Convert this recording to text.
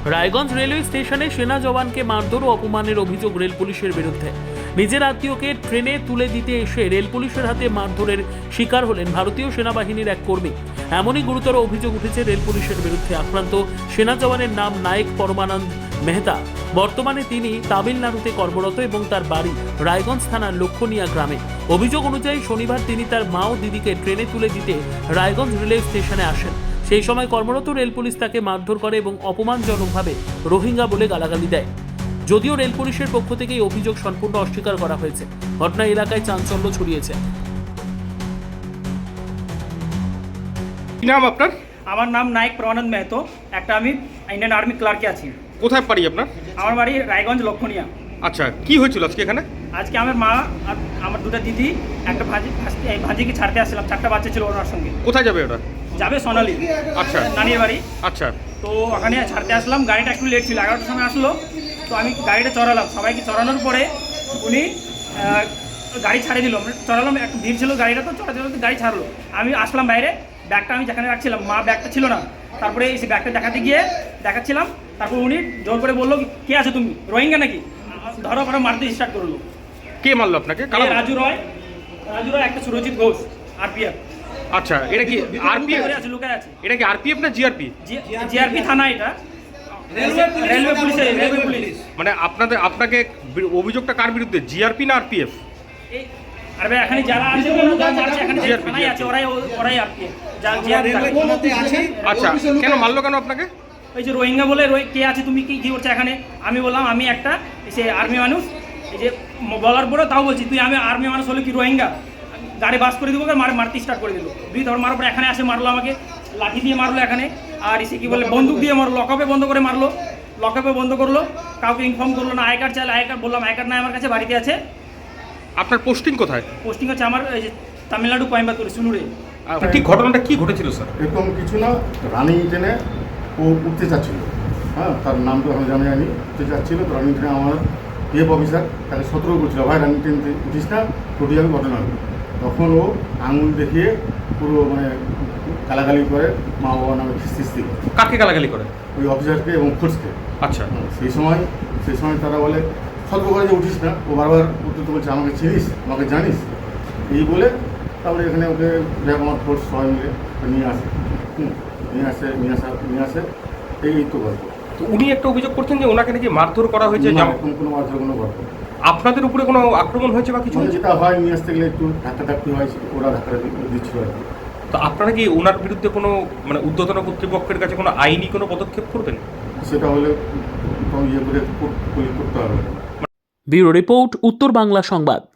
Raiganj railway স্টেশনে সেনা জওয়ানকে মারধর ও অপমানের অভিযোগ রেল পুলিশের বিরুদ্ধে। নিজের আত্মীয়কে ট্রেনে তুলে দিতে এসে রেল পুলিশের হাতে মারধরের শিকার হলেন ভারতীয় সেনাবাহিনীর এক কর্মী। এমনই গুরুতর অভিযোগ উঠেছে রেল পুলিশের বিরুদ্ধে। আক্রান্ত সেনা জওয়ানের নাম নায়েক পরমানন্দ মেহতা। বর্তমানে তিনি তামিলনাড়ুতে কর্মরত এবং তার বাড়ি রায়গঞ্জ থানার লক্ষণিয়া গ্রামে। অভিযোগ অনুযায়ী শনিবার তিনি তার মা ও দিদিকে ট্রেনে তুলে দিতে রায়গঞ্জ রেলওয়ে স্টেশনে আসেন। সেই সময় কর্মরত রেল পুলিশ তাকে মারধর করে এবং অপমানজনকভাবে রোহিঙ্গা বলে গালাগালি দেয়। যদিও রেল পুলিশের পক্ষ থেকে এই অভিযোগ সম্পূর্ণ অস্বীকার করা হয়েছে। ঘটনা এলাকায় চাঞ্চল্য ছড়িয়েছে। কি নাম আপনার? আমার নাম নায়েক পরমানন্দ মেহতো। একটা আমি ইন্ডিয়ান আর্মি ক্লার্কে আছি। কোথায় বাড়ি আপনার? আমার বাড়ি রায়গঞ্জ লক্ষণিয়া। আচ্ছা, কি হয়েছিল আজকে এখানে? আজকে আমার মা আর আমার দুটো দিদি একটা ভাজিকে ছাড়তে আসছিলাম। 4টা বাচ্চা ছিল ওনার সঙ্গে। কোথায় যাবে ওটা? যাবে সোনালি, আচ্ছা নানির বাড়ি। আচ্ছা, তো ওখানে ছাড়তে আসলাম। গাড়িটা একটু লেট ছিল, 11টার সময় আসলো। তো আমি গাড়িটা চড়ালাম। সবাইকে চড়ানোর পরে উনি গাড়ি ছাড়িয়ে দিল। চড়ালাম, একটু ভিড় ছিল, গাড়িটা তো চড়াতে চড়াতে গাড়ি ছাড়লো। আমি আসলাম বাইরে, ব্যাগটা আমি যেখানে রাখছিলাম, মা ব্যাগটা ছিল না। তারপরে সেই ব্যাগটা দেখাতে গিয়ে দেখাচ্ছিলাম। তারপর উনি জোর করে বললো, কে আছে তুমি, রোহিঙ্গা নাকি? ধরো করে মারতে স্টার্ট করলো। কে মারলো আপনাকে? রাজু রয়, একটা সুরজিৎ ঘোষ, আরপিএফ। আচ্ছা, এটা কি আরপিএফ? লুকায় আছে। এটা কি আরপিএফ না জিআরপি? জিআরপি থানা, এটা রেলওয়ে পুলিশ। মানে আপনাকে অভিযোগটা কার বিরুদ্ধে, জিআরপি না আরপিএফ? আরে এখানে যারা আছে এখানে থানায় আছে, ওরাই আরপিএফ। আচ্ছা, কেন মারলো কেন আপনাকে? ওই যে রোহিঙ্গা বলে, কে আছে তুমি, কি করছো এখানে? আমি বললাম আমি একটা সে আর্মি মানুষ। এই যে বলার পরে তাও বলছি, তুই আমি আর্মি মানুষ হলে কি রোহিঙ্গা? গাড়ি বাস করে দেবো, মারতে স্টার্ট করে দিল। 2 ধর মারার পরে এখানে আসে মারলো আমাকে, লাঠি দিয়ে মারলো এখানে। আর এসে কি বলে বন্দুক দিয়ে মারলো, লকআপে বন্ধ করে মারলো। লকআপে বন্ধ করলো, কাউকে ইনফর্ম করলো না। আই কার্ড চাইলে, আই কার্ড বললাম আই কার্ড নাই আমার কাছে, বাড়িতে আছে। আপনার পোস্টিং কোথায়? পোস্টিং হচ্ছে আমার এই যে তামিলনাড়ু, কোয়েম্বাতুর, সুলুরে। ঠিক ঘটনাটা কি ঘটেছিল স্যার? এরকম কিছু না, রানিং ট্রেনে ও উঠতে চাচ্ছিল। হ্যাঁ, তার নাম তো আমি জানি। উঠতে চাচ্ছিল, তো রানিং ট্রেনে আমার এফ অফিসার তাকে সতর্ক করছিল, ভাই রানিং ট্রেন উঠিস না, টোটি যাবে, ঘটনা হবে। তখন ও আঙুল দেখিয়ে পুরো মানে গালাগালি করে, মা বাবা নামে খিস্তি করে। কাকে গালাগালি করে? ওই অফিসারকে এবং ফোর্সকে। আচ্ছা, সেই সময় তারা বলে সতর্ক করে যে উঠিস না। ও বারবার উঠতে বলছে, আমাকে চিনিস, আমাকে জানিস, এই বলে তারপরে এখানে ওকে আমার ফোর্স সবাই মিলে নিয়ে আসে। নিয়ে আসে এই তো গল্প। তো উনি একটা অভিযোগ করছেন যে ওনাকে নাকি মারধর করা হয়েছে। কোনো মারধর, কোনো গল্প। আপনাদের উপরে কোনো আক্রমণ হয়েছে বা কিছু? যেটা হয়, নিয়ে আসতে গেলে একটু ধাক্কাধাক্কি হয়, ওরা ধাক্কা দিচ্ছিল আর কি। তো আপনারা কি ওনার বিরুদ্ধে কোনো মানে ঊর্ধ্বতন কর্তৃপক্ষের কাছে কোনো আইনি কোনো পদক্ষেপ করবেন? সেটা হলে করতে হবে। ব্যুরো রিপোর্ট, উত্তর বাংলা সংবাদ।